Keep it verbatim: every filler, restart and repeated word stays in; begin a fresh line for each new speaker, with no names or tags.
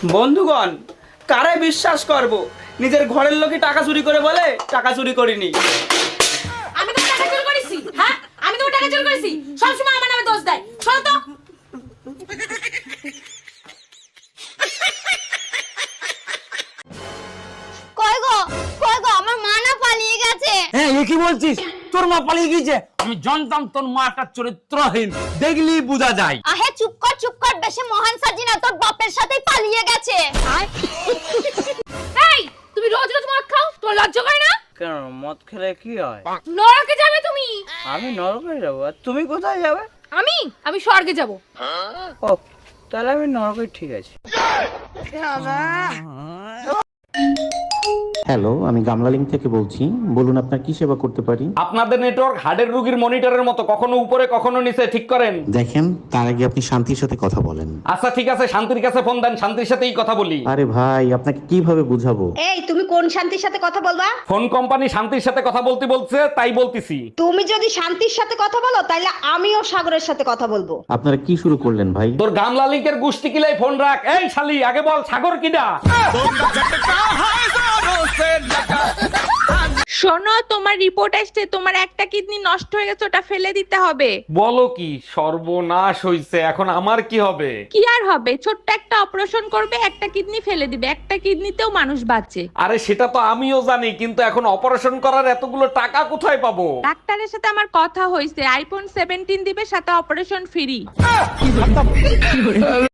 বন্ধুগণ, কারে বিশ্বাস করব? নিজের ঘরের লোকই টাকা চুরি করে বলে টাকা চুরি করিনি।
আমি তো টাকা চুরি করেছি। হ্যাঁ, আমি তো টাকা চুরি করেছি। সব সময় আমার নামে দোষ দেয়। শোনো তো।
কই গো কই গো আমার মা না পালিয়ে গেছে।
হ্যাঁ, এ কি বলছিস? তোর মা পালিয়ে গিয়েছে? আমি জানতাম তোর মা একটা চরিত্রহীন, দেখলি বোঝা যায়।
আহে চুপ কর চুপ কর, বেশি মহান সাজি না, তোর বাপের সাথেই পালিয়ে গেছে।
এই, তুমি রোজ রোজ মদ খাও? তোর লজ্জা করে না?
কেন, মদ খেলে কি হয়?
নরকে যাবে তুমি।
আমি নরকে যাবো, আর তুমি কোথায় যাবে?
আমি আমি স্বর্গে যাব।
ও, তাহলে আমি নরকে, ঠিক আছে।
হ্যালো, আমি গামলালিং থেকে বলছি। বলুন আপনার কি সেবা করতে পারি?
আপনাদের নেটওয়ার্ক হার্টের রোগীর মনিটরের মতো, কখনো উপরে কখনো নিচে, ঠিক করেন।
দেখেন, তার আগে আপনি শান্তির সাথে কথা বলেন।
আচ্ছা ঠিক আছে, শান্তির কাছে ফোন দেন, শান্তির সাথেই কথা বলি।
আরে ভাই, আপনাকে কিভাবে বুঝাবো?
এই, তুমি কোন শান্তির সাথে কথা বলবা?
ফোন কোম্পানি শান্তির সাথে কথা বলতে বলছে, তাই বলতিছি।
তুমি যদি শান্তির সাথে কথা বলো তাহলে আমিও সাগরের সাথে কথা বলবো।
আপনারা কি শুরু করলেন ভাই?
তোর গামলা লিঙ্কের গুষ্টি কিলাই ফোন রাখ। এই শালি, আগে বল সাগর কিডা?
শোনো, তোমার রিপোর্ট আসছে, তোমার একটা কিডনি নষ্ট হয়ে গেছে, ওটা ফেলে দিতে হবে।
বলো কি, সর্বনাশ হইছে, এখন আমার কি হবে?
কি আর হবে, ছোট্ট একটা অপারেশন করবে, একটা কিডনি ফেলে দিবে, একটা কিডনিতেও মানুষ বাঁচে।
আরে সেটা তো আমিও জানি, কিন্তু এখন অপারেশন করার এতগুলো টাকা কোথায় পাবো?
ডাক্তারের সাথে আমার কথা হয়েছে, আইফোন সেভেন্টিন দিবে, সাথে অপারেশন ফ্রি।